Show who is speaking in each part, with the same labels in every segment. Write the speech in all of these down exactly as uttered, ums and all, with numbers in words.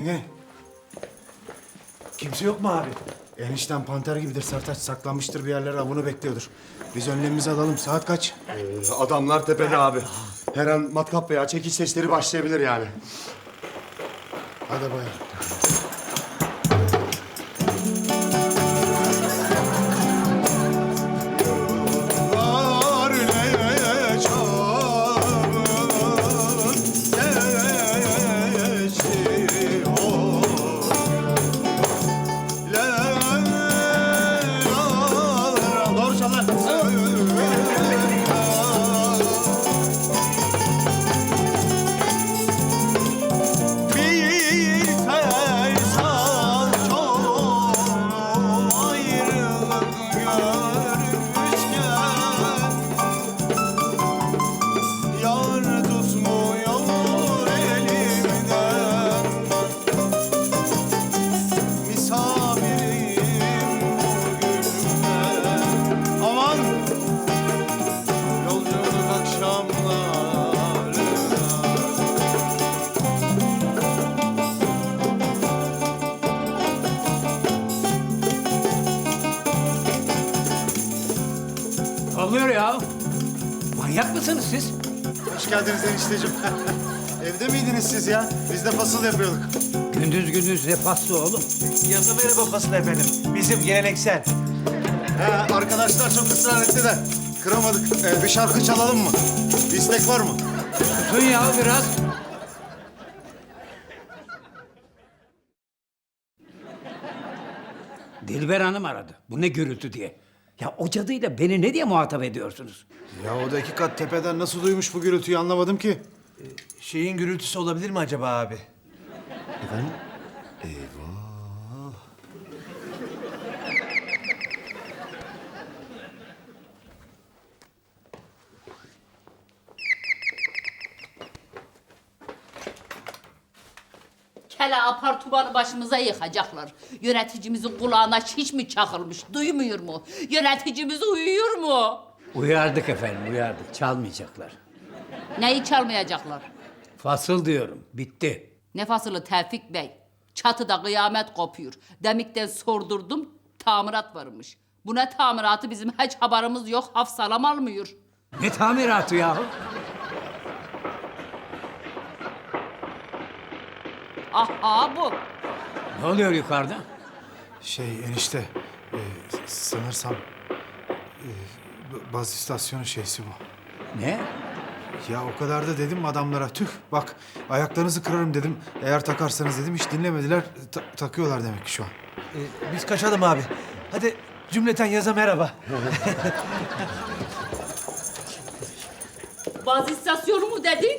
Speaker 1: Engin. Kimse yok mu abi? Enişten panter gibidir Sertaç. Saklanmıştır bir yerlere, avını bekliyordur. Biz önlemimizi alalım. Saat kaç?
Speaker 2: Ee, adamlar tepede abi. Her an matkap veya çekiç sesleri başlayabilir yani.
Speaker 1: Hadi bayağı.
Speaker 3: Oluyor ya. Manyak mısınız siz?
Speaker 1: Hoş geldiniz enişteciğim. Evde miydiniz siz ya? Biz de fasıl yapıyorduk.
Speaker 3: Gündüz gündüz ne faslı oğlum?
Speaker 4: Yazı merhaba fasıl efendim. Bizim geleneksel.
Speaker 1: He, arkadaşlar çok ısrar etti de kıramadık. Ee, bir şarkı çalalım mı? Bir istek var mı?
Speaker 3: Tutun ya biraz. Dilber Hanım aradı. Bu ne gürültü diye. Ya o cadıyla beni ne diye muhatap ediyorsunuz?
Speaker 1: Ya o da iki kat tepeden nasıl duymuş bu gürültüyü anlamadım ki.
Speaker 4: Şeyin gürültüsü olabilir mi acaba abi?
Speaker 1: Efendim?
Speaker 5: Kele apartmanı başımıza yıkacaklar. Yöneticimizin kulağına hiç mi çakılmış? Duymuyor mu? Yöneticimiz uyuyor mu?
Speaker 3: Uyardık efendim, uyardık. Çalmayacaklar.
Speaker 5: Neyi çalmayacaklar?
Speaker 3: Fasıl diyorum, bitti.
Speaker 5: Ne fasılı Tevfik Bey? Çatıda kıyamet kopuyor. Demikten sordurdum, tamirat varmış. Bu ne tamiratı bizim hiç haberimiz yok, hafsalam almıyor.
Speaker 3: Ne tamiratı yahu?
Speaker 5: Aha bu.
Speaker 3: Ne oluyor yukarıda?
Speaker 1: Şey enişte, e, sanırsam e, b- baz istasyonu şeysi bu.
Speaker 3: Ne?
Speaker 1: Ya o kadar da dedim adamlara, tüh bak ayaklarınızı kırarım dedim. Eğer takarsanız dedim, hiç dinlemediler. Ta- takıyorlar demek ki şu an.
Speaker 4: Ee, biz kaçalım abi. Hadi cümleten yaza merhaba.
Speaker 5: Baz istasyonu mu dedin?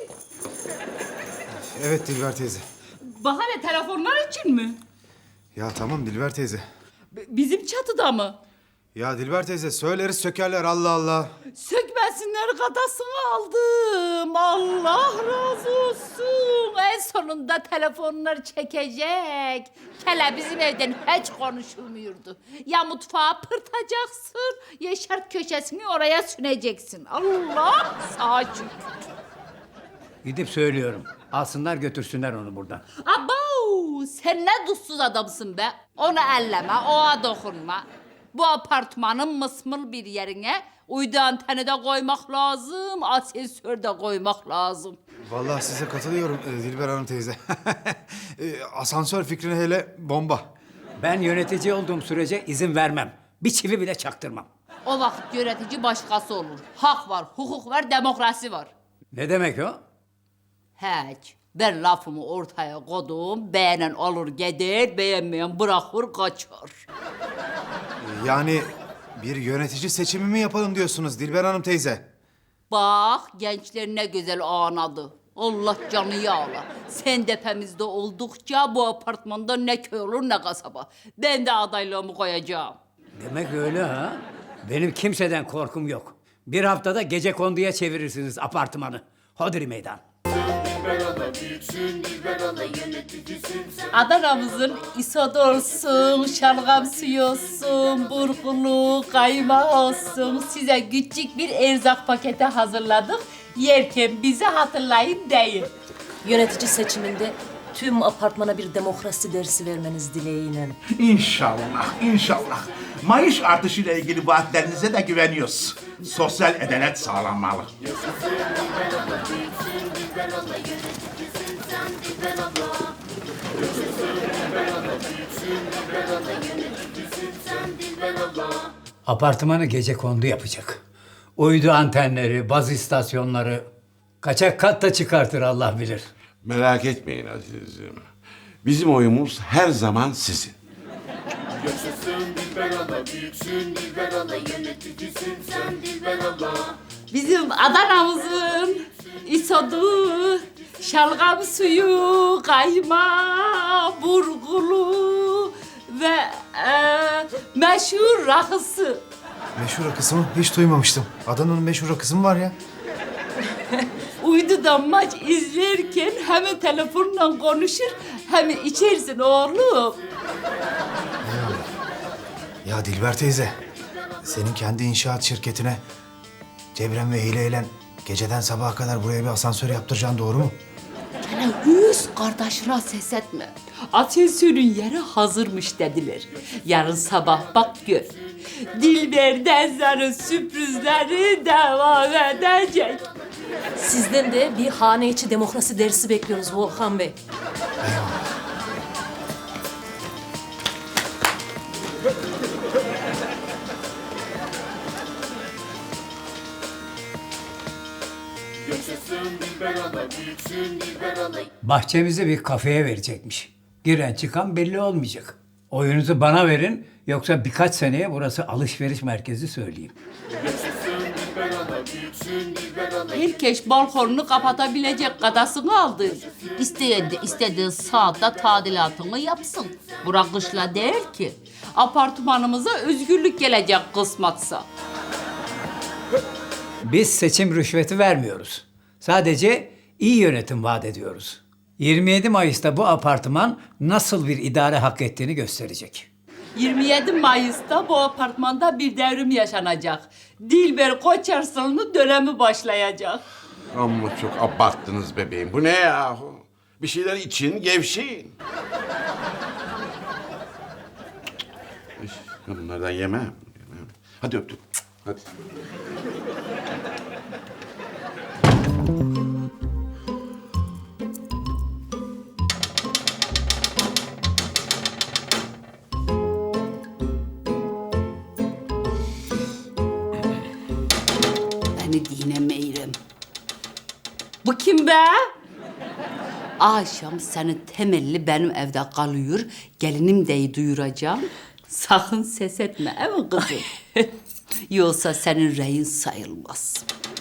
Speaker 1: Evet Dilber teyze.
Speaker 5: Bahane telefonlar için mi?
Speaker 1: Ya tamam Dilber teyze.
Speaker 5: B- bizim çatıda mı?
Speaker 1: Ya Dilber teyze söyleriz sökerler, Allah Allah.
Speaker 5: Sökmesinler, kadasını aldım. Allah razı olsun. En sonunda telefonlar çekecek. Kele bizim evden hiç konuşulmuyordu. Ya mutfağa pırtacaksın, ya şart köşesini oraya süneceksin. Allah sağ şükür.
Speaker 3: Gidip söylüyorum. Alsınlar götürsünler onu buradan.
Speaker 5: Abo, sen ne dutsuz adamsın be. Onu elleme, oğa dokunma. Bu apartmanın mısmıl bir yerine uydu anteni de koymak lazım, asansör de koymak lazım.
Speaker 1: Vallahi size katılıyorum e, Dilber Hanım teyze. E, asansör fikrine hele bomba.
Speaker 3: Ben yönetici olduğum sürece izin vermem. Bir çivi bile çaktırmam.
Speaker 5: O vakit yönetici başkası olur. Hak var, hukuk var, demokrasi var.
Speaker 3: Ne demek o?
Speaker 5: Hiç. Ben lafımı ortaya koydum, beğenen alır gider, beğenmeyen bırakır kaçar.
Speaker 1: E, yani bir yönetici seçimi mi yapalım diyorsunuz Dilber Hanım teyze?
Speaker 5: Bak gençler ne güzel ağladı. Allah canı yağla. Sen tepemizde oldukça bu apartmanda ne köy olur ne kasaba. Ben de adaylığımı koyacağım.
Speaker 3: Demek öyle ha? Benim kimseden korkum yok. Bir haftada gecekonduya çevirirsiniz apartmanı. Hodri meydan.
Speaker 5: Adana'mızın isodu olsun, şalgam suyu olsun, burgulu, kaymağı olsun. Size küçük bir erzak paketi hazırladık. Yerken bizi hatırlayın deyin.
Speaker 6: Yönetici seçiminde tüm apartmana bir demokrasi dersi vermeniz dileğiyle.
Speaker 7: İnşallah, inşallah. Maaş artışıyla ilgili vaatlerinize de güveniyoruz. Sosyal adalet sağlanmalı.
Speaker 3: Apartmanı gecekondu yapacak. Uydu antenleri, baz istasyonları, kaçak kat da çıkartır Allah bilir.
Speaker 8: Merak etmeyin azizim. Bizim oyumuz her zaman sizin.
Speaker 5: Bizim Adana'mızın isodu, şalgam suyu, kayma, burgulu ve e, meşhur rakısı.
Speaker 1: Meşhur rakısı mı? Hiç duymamıştım. Adana'nın meşhur rakısı mı var ya?
Speaker 5: Uydudan maç izlerken hem telefonla konuşur hem içersin oğlum.
Speaker 1: Ya Dilber teyze, senin kendi inşaat şirketine Cebrem ve hileyle geceden sabaha kadar buraya bir asansör yaptıracaksın, doğru mu?
Speaker 5: Gene yüz kardeşine ses etme. Asansörün yeri hazırmış dediler. Yarın sabah bak gör. Dilber Denzer'in sürprizleri devam edecek.
Speaker 6: Sizden de bir hane içi demokrasi dersi bekliyoruz Volkan Bey.
Speaker 3: Bahçemizi bir kafeye verecekmiş. Giren çıkan belli olmayacak. Oyunuzu bana verin, yoksa birkaç seneye burası alışveriş merkezi söyleyeyim.
Speaker 5: Herkes balkonunu kapatabilecek kadasını aldı. İsteyen de istediği saatte tadilatını yapsın. Bırakışla değil ki. Apartmanımıza özgürlük gelecek kısmatsa.
Speaker 3: Biz seçim rüşveti vermiyoruz. Sadece iyi yönetim vaat ediyoruz. yirmi yedi Mayıs'ta bu apartman nasıl bir idare hak ettiğini gösterecek.
Speaker 5: yirmi yedi Mayıs'ta bu apartmanda bir devrim yaşanacak. Dilber Koçarslan'ın dönemi başlayacak.
Speaker 8: Ama çok abarttınız bebeğim. Bu ne yahu? Bir şeyler için gevşeyin. Üf, ben bunlardan yemem. yemem. Hadi öptüm. Hadi.
Speaker 5: Beni dinlemeyirim. Bu kim be? Akşam senin temelli benim evde kalıyor. Gelinim deyi duyuracağım. Sakın ses etme, değil mi kızım? Yoksa senin reyin sayılmaz.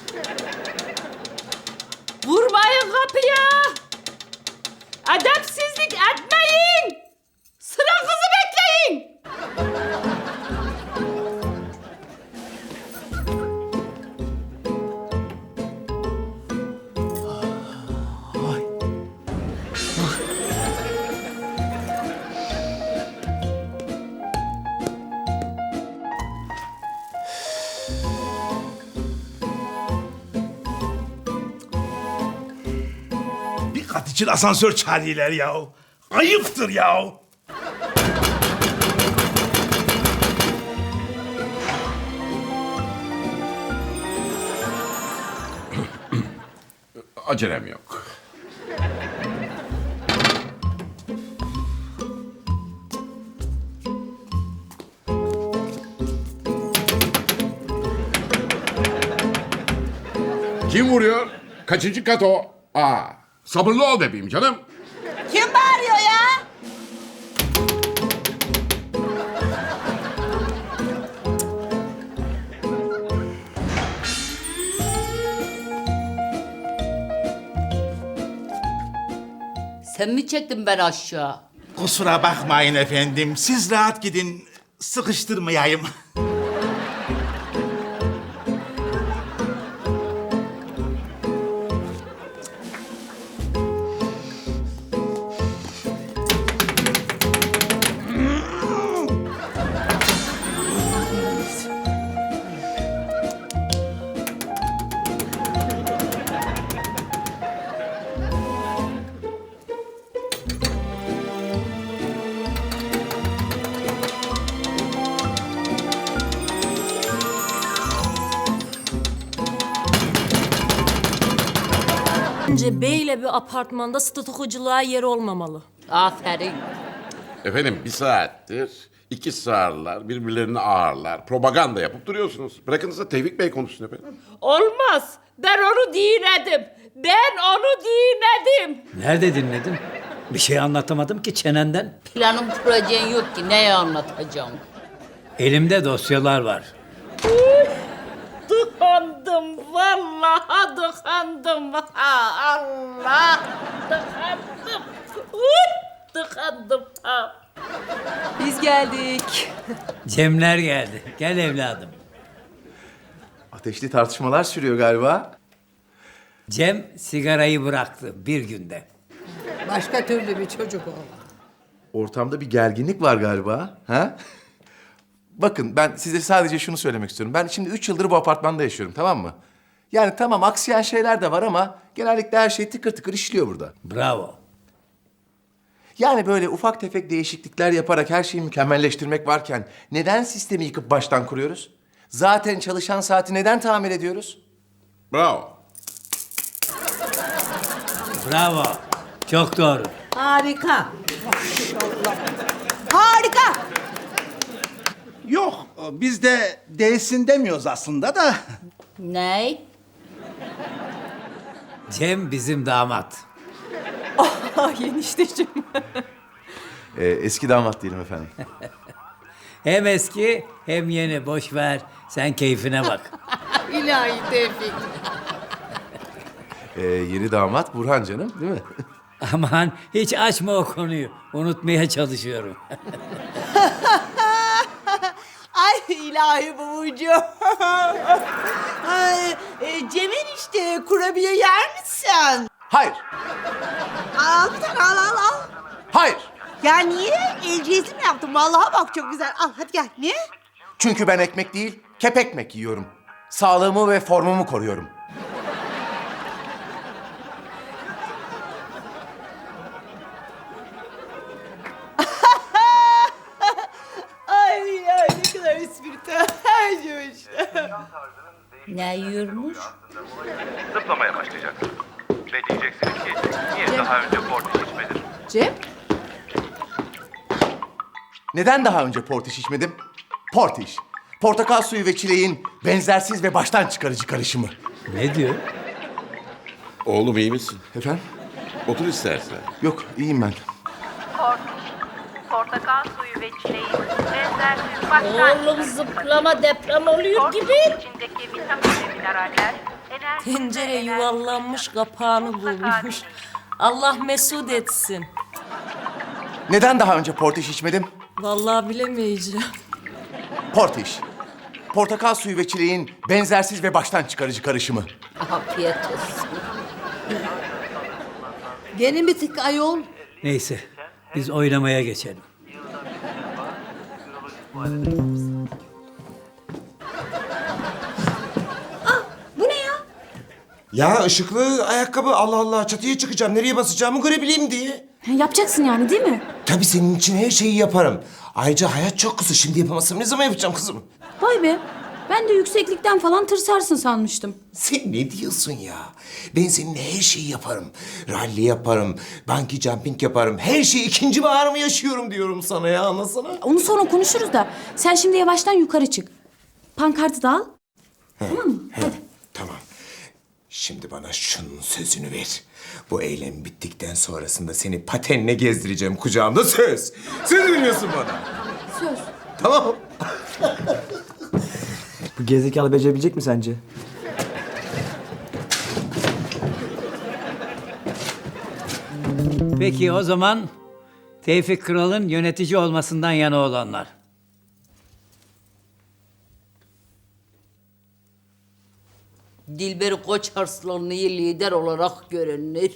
Speaker 5: Vurmayın kapıya! Edepsizlik etmeyin! Sıra kızı bekleyin!
Speaker 7: Bir kat için asansör çağırıyorlar ya. Ayıptır ya.
Speaker 8: Acelem yok. Kim vuruyor? Kaçıncı kat o? Aa, sabırlı ol bebeğim canım.
Speaker 5: Kim bağırıyor ya? Sen mi çektin ben aşağı?
Speaker 7: Kusura bakmayın efendim. Siz rahat gidin. Sıkıştırmayayım.
Speaker 6: Bence beyle bir apartmanda statükoculuğa yer olmamalı.
Speaker 5: Aferin.
Speaker 8: Efendim bir saattir iki sağırlar birbirlerini ağırlar. Propaganda yapıp duruyorsunuz. Bırakınız da Tevfik Bey konuşsun efendim.
Speaker 5: Olmaz. Ben onu dinledim. Ben onu dinledim.
Speaker 3: Nerede dinledin? Bir şey anlatamadım ki çenenden.
Speaker 5: Planın projen yok ki. Neyi anlatacağım?
Speaker 3: Elimde dosyalar var.
Speaker 5: Tıkandım. Vallahi tıkandım. Ha, Allah. Tıkandım. Uy, tıkandım. Ha.
Speaker 6: Biz geldik.
Speaker 3: Cemler geldi. Gel evladım.
Speaker 4: Ateşli tartışmalar sürüyor galiba.
Speaker 3: Cem sigarayı bıraktı bir günde.
Speaker 9: Başka türlü bir çocuk o.
Speaker 4: Ortamda bir gerginlik var galiba. Ha? Bakın ben size sadece şunu söylemek istiyorum. Ben şimdi üç yıldır bu apartmanda yaşıyorum, tamam mı? Yani tamam aksayan şeyler de var ama genellikle her şey tıkır tıkır işliyor burada.
Speaker 3: Bravo.
Speaker 4: Yani böyle ufak tefek değişiklikler yaparak her şeyi mükemmelleştirmek varken neden sistemi yıkıp baştan kuruyoruz? Zaten çalışan saati neden tamir ediyoruz?
Speaker 8: Bravo.
Speaker 3: Bravo. Çok doğru.
Speaker 9: Harika. Maşallah. Harika.
Speaker 7: Yok, biz de değilsin demiyoruz aslında da.
Speaker 5: Ney?
Speaker 3: Cem bizim damat.
Speaker 6: Ah enişteciğim.
Speaker 4: Ee, eski damat diyelim efendim.
Speaker 3: Hem eski hem yeni. Boş ver. Sen keyfine bak.
Speaker 9: İlahi Tevfik.
Speaker 4: Ee, yeni damat Burhan canım, değil mi?
Speaker 3: Aman hiç açma o konuyu. Unutmaya çalışıyorum.
Speaker 9: Ay ilahi babacığım. Ay, e, Cem'in işte kurabiye yer misin?
Speaker 4: Hayır,
Speaker 9: Al bir tane al al al.
Speaker 4: hayır.
Speaker 9: Ya niye? El cezim yaptım. Vallahi bak çok güzel. Al hadi gel. Niye?
Speaker 4: Çünkü ben ekmek değil, kep ekmek yiyorum. Sağlığımı ve formumu koruyorum.
Speaker 9: Ay ay ne kadar espritüel. işte.
Speaker 5: Ne yiyormuş?
Speaker 10: Zıplamaya başlayacak. Ve diyeceksiniz ki niye daha önce Portiş içmedin?
Speaker 9: Cem?
Speaker 4: Neden daha önce portiş içmedim? Portiş. Portakal suyu ve çileğin benzersiz ve baştan çıkarıcı karışımı.
Speaker 3: Ne diyor?
Speaker 8: Oğlum iyi misin?
Speaker 4: Efendim?
Speaker 8: Otur istersen.
Speaker 4: Yok, iyiyim ben.
Speaker 11: Portakal suyu ve çileğin benzersiz başlangıç.
Speaker 5: Oğlum zıplama deprem oluyor gibi.
Speaker 11: İçindeki vitamin ve mineraller enerji
Speaker 6: Tencere yuvarlanmış kapağını bulmuş. Allah mesut etsin.
Speaker 4: Neden daha önce portiş içmedim?
Speaker 6: Vallahi bilemeyeceğim.
Speaker 4: Portiş. Portakal suyu ve çileğin benzersiz ve baştan çıkarıcı karışımı.
Speaker 5: Afiyet olsun.
Speaker 9: Gene mi tık ayol?
Speaker 3: Neyse biz oynamaya geçelim.
Speaker 9: Bu ne ya?
Speaker 2: Ya ışıklı ayakkabı Allah Allah çatıya çıkacağım. Nereye basacağımı görebileyim diye.
Speaker 12: Yapacaksın yani değil mi?
Speaker 2: Tabii senin için her şeyi yaparım. Ayrıca hayat çok kısa. Şimdi yapamazsam ne zaman yapacağım kızım?
Speaker 12: Vay be. Ben de yükseklikten falan tırsarsın sanmıştım.
Speaker 2: Sen ne diyorsun ya? Ben seninle her şeyi yaparım. Rally yaparım, bungee jumping yaparım. Her şeyi ikinci baharımı yaşıyorum diyorum sana ya, anlasana.
Speaker 12: Onu sonra konuşuruz da sen şimdi yavaştan yukarı çık. Pankartı da al. Tamam mı? Hadi.
Speaker 2: Tamam. Şimdi bana şunun sözünü ver. Bu eylem bittikten sonrasında seni patenle gezdireceğim kucağımda, söz. Söz veriyorsun bana.
Speaker 12: Söz.
Speaker 2: Tamam.
Speaker 13: Bu gerizekalı becerebilecek mi sence?
Speaker 3: Peki o zaman Tevfik Kral'ın yönetici olmasından yana olanlar.
Speaker 5: Dilber Koç Arslanlı'yı lider olarak görünür.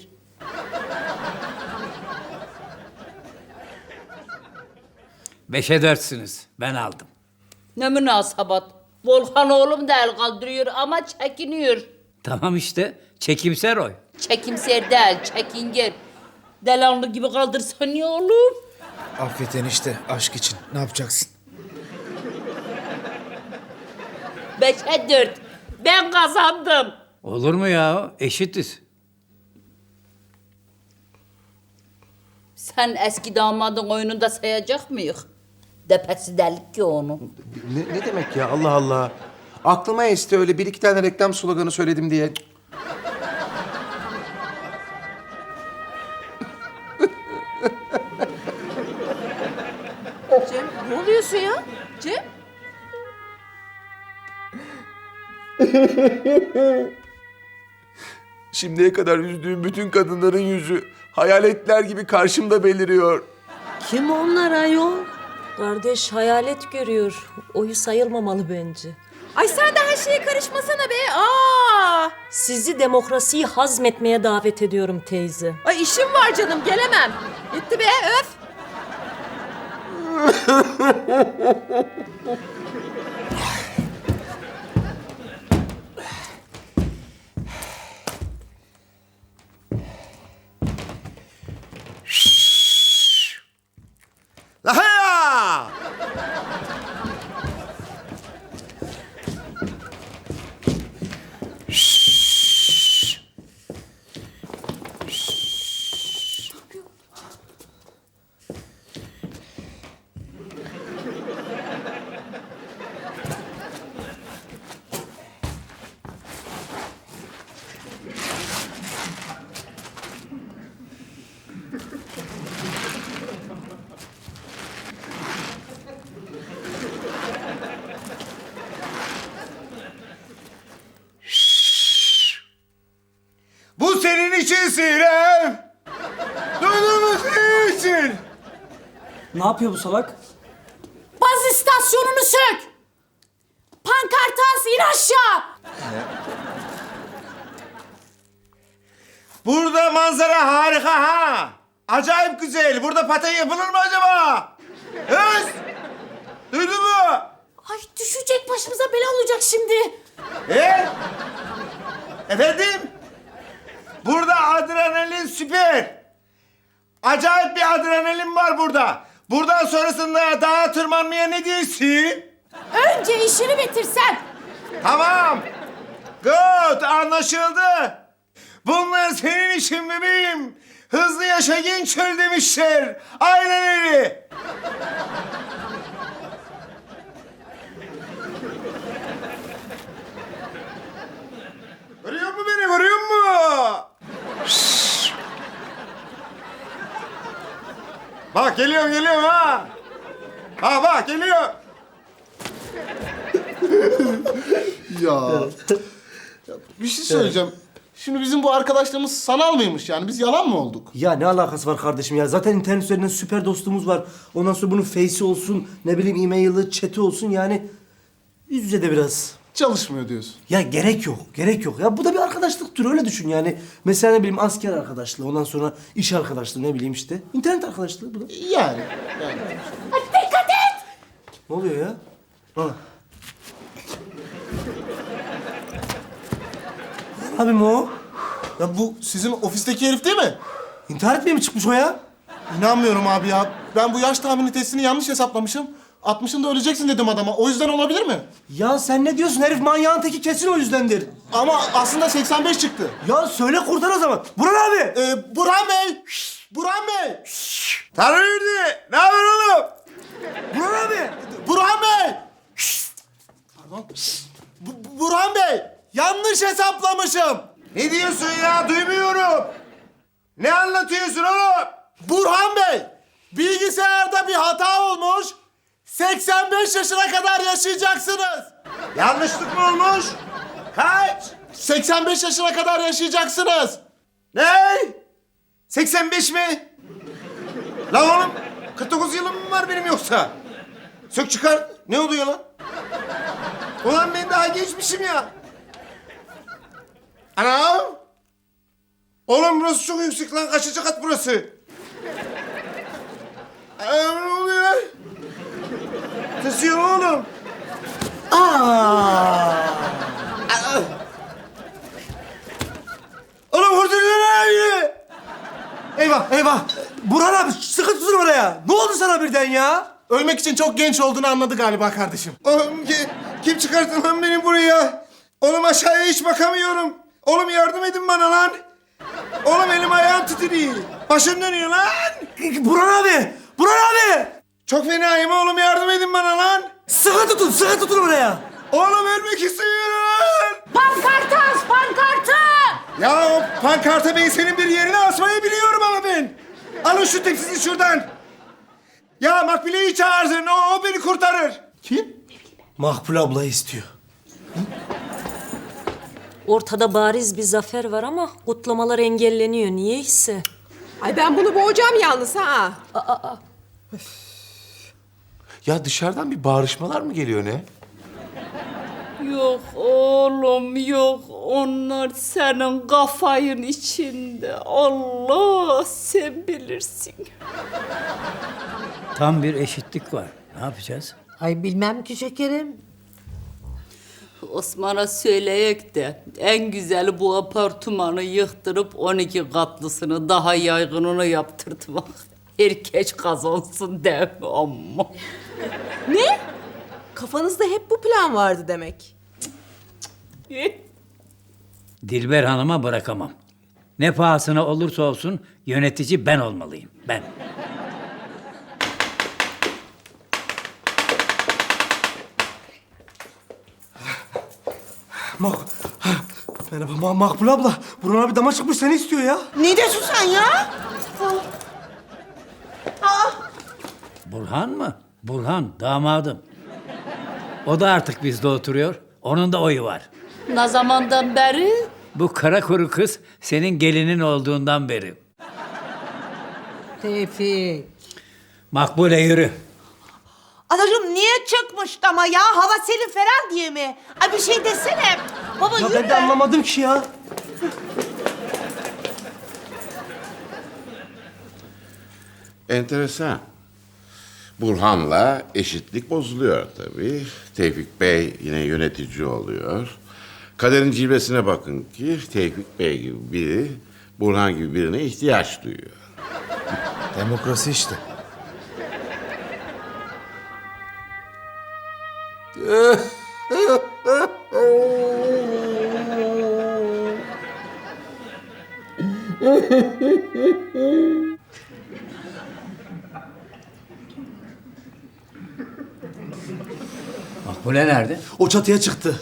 Speaker 3: Beşe dörtsünüz. Ben aldım.
Speaker 5: Ne münasebet. Volkan oğlum da el kaldırıyor ama çekiniyor.
Speaker 3: Tamam işte. Çekimser oy.
Speaker 5: Çekimser değil, çekingen. Delanlı gibi kaldırsan ya oğlum.
Speaker 1: Affet enişte aşk için. Ne yapacaksın?
Speaker 5: Beşe dört. Ben kazandım.
Speaker 3: Olur mu ya? Eşitiz.
Speaker 5: Sen eski damadın oyununda sayacak mıyız? Depesi delik ki onun.
Speaker 2: Ne, ne demek ya Allah Allah. Aklıma esti öyle bir iki tane reklam sloganı söyledim diye.
Speaker 6: Cem ne oluyorsun ya? Cem?
Speaker 2: Şimdiye kadar üzdüğüm bütün kadınların yüzü hayaletler gibi karşımda beliriyor.
Speaker 6: Kim onlar ayol? Kardeş hayalet görüyor. Oyu sayılmamalı bence.
Speaker 14: Ay sen de her şeye karışmasana be. Aa!
Speaker 6: Sizi demokrasiyi hazmetmeye davet ediyorum teyze.
Speaker 14: Ay işim var canım gelemem. Gitti be öf.
Speaker 2: Lahaya! Bu senin için Sinem. Duydun mu senin için?
Speaker 13: Ne yapıyor bu salak?
Speaker 12: Baz istasyonunu sök! Pankartı as, in aşağı!
Speaker 2: Burada manzara harika ha. Acayip güzel. Burada paten yapılır mı acaba? Öz! Duydun mu?
Speaker 12: Ay düşecek, başımıza bela olacak şimdi.
Speaker 2: E? Efendim? Burada adrenalin süper. Acayip bir adrenalin var burada. Buradan sonrasında dağa tırmanmaya ne diyorsun?
Speaker 12: Önce işini bitirsen.
Speaker 2: Tamam. Good, anlaşıldı. Bunlar senin için bebeğim. Hızlı yaşa genç öl demişler. Aynen öyle. Görüyor musun beni, görüyor musun? Şşş. Bak geliyorum, geliyorum ha. Ha bak geliyor.
Speaker 15: Ya. Ya bir şey söyleyeceğim. Şimdi bizim bu arkadaşlarımız sanal mıymış yani? Biz yalan mı olduk?
Speaker 13: Ya ne alakası var kardeşim ya? Zaten internet üzerinden süper dostumuz var. Ondan sonra bunun face'i olsun, ne bileyim e-mail'i, chat'i olsun yani. Yüz yüze de biraz.
Speaker 15: Çalışmıyor diyorsun.
Speaker 13: Ya gerek yok, gerek yok. Ya bu da bir arkadaşlık türü, öyle düşün yani. Mesela ne bileyim asker arkadaşlığı, ondan sonra iş arkadaşlığı, ne bileyim işte. İnternet arkadaşlığı bu da.
Speaker 15: Yani. yani.
Speaker 12: Ay dikkat et!
Speaker 13: Ne oluyor ya? Ha. Abim o.
Speaker 15: Ya bu sizin ofisteki herif değil mi?
Speaker 13: İntihar etmeye mi çıkmış o ya?
Speaker 15: İnanmıyorum abi ya. Ben bu yaş tahmini testini yanlış hesaplamışım. altmışında öleceksin dedim adama. O yüzden olabilir mi?
Speaker 13: Ya sen ne diyorsun? Herif manyağın teki, kesin o yüzdendir.
Speaker 15: Ama aslında seksen beş çıktı.
Speaker 13: Ya söyle kurtar o zaman. Burhan abi.
Speaker 15: Ee, Burhan Bey. Burhan Bey.
Speaker 2: Tanrı yürüdü. Ne haber oğlum?
Speaker 13: Burhan abi.
Speaker 15: Burhan Bey. Pardon. Bu- Burhan Bey. Yanlış hesaplamışım.
Speaker 2: Ne diyorsun ya? Duymuyorum. Ne anlatıyorsun oğlum?
Speaker 15: Burhan Bey. Bilgisayarda bir hata olmuş. seksen beş yaşına kadar yaşayacaksınız.
Speaker 2: Yanlışlık mı olmuş? Kaç?
Speaker 15: seksen beş yaşına kadar yaşayacaksınız.
Speaker 2: Ne? seksen beş mi? Lan oğlum kırk dokuz yılım mı var benim yoksa? Sök çıkar. Ne oluyor lan? Ulan ben daha gençmişim ya. Anam. Oğlum burası çok yüksek lan. Kaçıncı kat burası? Anam ne oluyor? Tırsıyor oğlum. Aa! Aa! Oğlum hurduruyor abi.
Speaker 13: Eyvah eyvah. Burhan abi sıkı tutun oraya. Ne oldu sana birden ya?
Speaker 15: Ölmek için çok genç olduğunu anladı galiba kardeşim.
Speaker 2: Oğlum ki, kim çıkarttı lan beni buraya? Oğlum aşağıya hiç bakamıyorum. Oğlum yardım edin bana lan. Oğlum elim ayağım titriyor. Başım dönüyor lan.
Speaker 13: Burhan abi! Burhan abi!
Speaker 2: Çok fenayım oğlum, yardım edin bana lan.
Speaker 13: Sıkı tutun, sıkı tutun oraya.
Speaker 2: Oğlum ölmek istiyorum.
Speaker 5: Pankartı as, pankartı!
Speaker 2: Ya o pankartı ben senin bir yerine asmayı biliyorum ama ben. Alın şu tepsisi şuradan. Ya Makbule'yi çağırsın, o, o beni kurtarır.
Speaker 13: Kim? Makbule abla istiyor.
Speaker 6: Ortada bariz bir zafer var ama kutlamalar engelleniyor. Niyeyse.
Speaker 14: Ay ben bunu boğacağım yalnız ha.
Speaker 4: Ya dışarıdan bir bağırışmalar mı geliyor ne?
Speaker 5: Yok oğlum yok. Onlar senin kafayın içinde. Allah sen bilirsin.
Speaker 3: Tam bir eşitlik var. Ne yapacağız?
Speaker 9: Ay bilmem ki şekerim.
Speaker 5: Osman'a söyleyek de en güzeli bu apartmanı yıktırıp on iki katlısını daha yaygınını yaptırtmak. Herkes kazansın değil mi amma?
Speaker 14: Ne? Kafanızda hep bu plan vardı demek.
Speaker 3: Dilber Hanım'a bırakamam. Ne pahasına olursa olsun yönetici ben olmalıyım. Ben.
Speaker 13: Mak... Merhaba Ma Makbule abla. Burhan abi dama çıkmış, seni istiyor ya.
Speaker 9: Ne diyorsun sen ya?
Speaker 3: Burhan mı? Burhan, damadım. O da artık bizde oturuyor. Onun da oyu var.
Speaker 5: Ne zamandan beri?
Speaker 3: Bu kara kuru kız senin gelinin olduğundan beri.
Speaker 9: Tevfik.
Speaker 3: Makbule yürü.
Speaker 9: Anacığım niye çıkmış ama ya? Hava serin falan diye mi? Ay bir şey desene. Baba
Speaker 13: Ya
Speaker 9: yürü.
Speaker 13: ben de anlamadım ki ya.
Speaker 8: Enteresan. Burhan'la eşitlik bozuluyor tabii. Tevfik Bey yine yönetici oluyor. Kaderin cilvesine bakın ki Tevfik Bey gibi biri Burhan gibi birine ihtiyaç duyuyor.
Speaker 1: Demokrasi işte.
Speaker 3: Makbule nerede?
Speaker 13: O çatıya çıktı.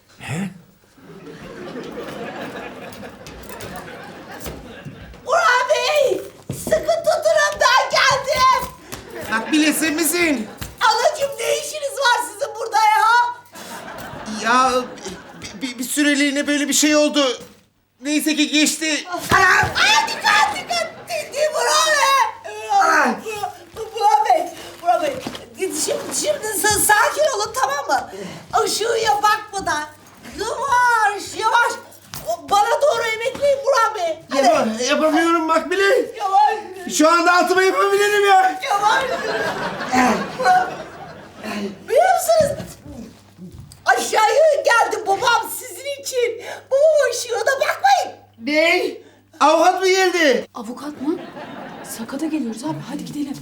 Speaker 9: Burhan Bey! Sıkı tutunun ben geldim.
Speaker 2: Makbule sen misin?
Speaker 9: Anacığım ne işiniz var sizin burada ya?
Speaker 2: Ya bir, bir süreliğine böyle bir şey oldu. Neyse ki geçti.
Speaker 9: Anam! Ay dikkat dikkat! Değil Burhan Bey! Burhan Burhan Bey! Burhan Bey! Şimdi, şimdi sa- sakin olun tamam mı? Işığa bakmadan yavaş yavaş bana doğru emekleyin Burhan Bey. Hadi.
Speaker 2: Yapa- yapamıyorum Makbule.
Speaker 9: Yavaş.
Speaker 2: Şu anda altıma yapabilirim ya.
Speaker 9: Yavaş. Burhan- Biliyor musunuz? Aşağıya geldi babam sizin için. Babam ışığına bakmayın.
Speaker 2: Ne? Avukat mı geldi?
Speaker 12: Avukat mı? Sakata geliyoruz abi. Hadi gidelim.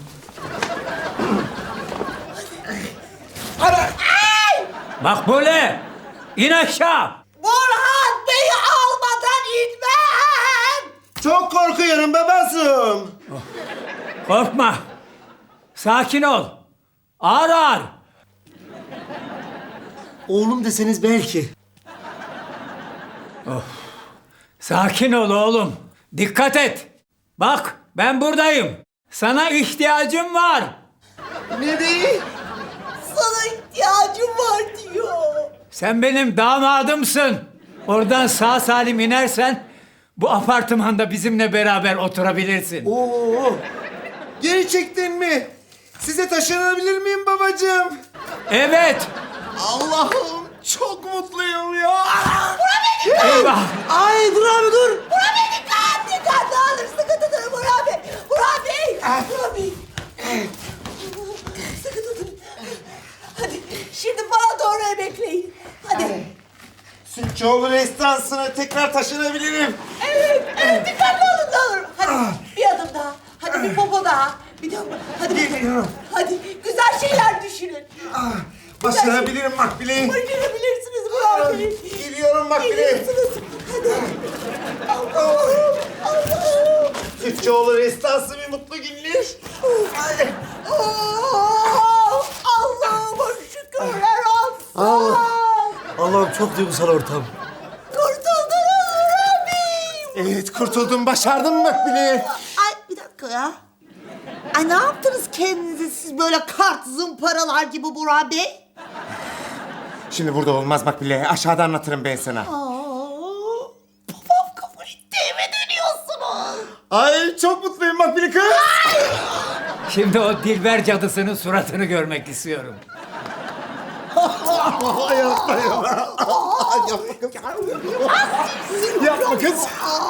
Speaker 9: Ana. Ay!
Speaker 3: Makbule! İn aşağı!
Speaker 9: Burhan Bey'i almadan inmem.
Speaker 2: Çok korkuyorum babacığım.
Speaker 3: Korkma. Sakin ol. Ağır ağır.
Speaker 13: Oğlum deseniz belki.
Speaker 3: Sakin ol oğlum. Dikkat et. Bak ben buradayım. Sana ihtiyacım var.
Speaker 2: Ne değil?
Speaker 9: Sana ihtiyacım var diyor.
Speaker 3: Sen benim damadımsın. Oradan sağ salim inersen bu apartmanda bizimle beraber oturabilirsin.
Speaker 2: Oo. Gerçekten mi? Size taşınabilir miyim babacığım?
Speaker 3: Evet.
Speaker 2: Allah'ım çok mutluyum ya.
Speaker 3: Eyvah.
Speaker 13: Ay dur abi dur.
Speaker 9: Burhan Bey dikkat dikkat ne olur sıkı tutun Burhan Bey. Burhan Bey. Burhan Bey. Sıkı tutun. Hadi şimdi bana doğru emekleyin. Hadi.
Speaker 2: Sütçüoğlu restansına tekrar taşınabilirim.
Speaker 9: Evet, evet dikkatli olun ne olur. Hadi bir adım daha. Hadi bir popo daha. Bir de hadi
Speaker 2: Geliyorum.
Speaker 9: Hadi güzel şeyler düşünün.
Speaker 2: Ah, başarabilirim Makbule.
Speaker 9: Başarabilirsiniz Burhan Bey.
Speaker 2: Geliyorum Makbule.
Speaker 9: Geliyorsunuz. Hadi. Allah'ım. Allah'ım.
Speaker 2: Çiftçioğlu restası bir mutlu günler.
Speaker 9: Ay, oh, Allah'ıma şükürler olsun.
Speaker 13: Allah. Allah'ım çok duygusal ortam.
Speaker 9: Kurtuldunuz Rabbi.
Speaker 2: Evet kurtuldum, başardım Makbule.
Speaker 9: Ay bir dakika ya. Ay ne yaptınız kendinize siz böyle kart zımparalar gibi Burak Bey?
Speaker 2: Şimdi burada olmaz Makbule, aşağıda anlatırım ben sana.
Speaker 9: Aa, babam kabul etti, eve dönüyorsunuz.
Speaker 2: Ay çok mutluyum Makbule kız.
Speaker 3: Şimdi o Dilber cadısının suratını görmek istiyorum.
Speaker 2: Yapma yapma. Yapma kız. Yapma kız.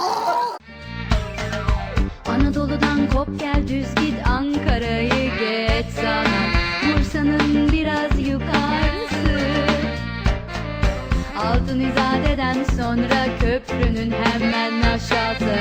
Speaker 16: Anadolu'dan kop gel düz git Ankara'yı geç sana Bursa'nın biraz yukarısı Altın İzade'den sonra köprünün hemen aşağısı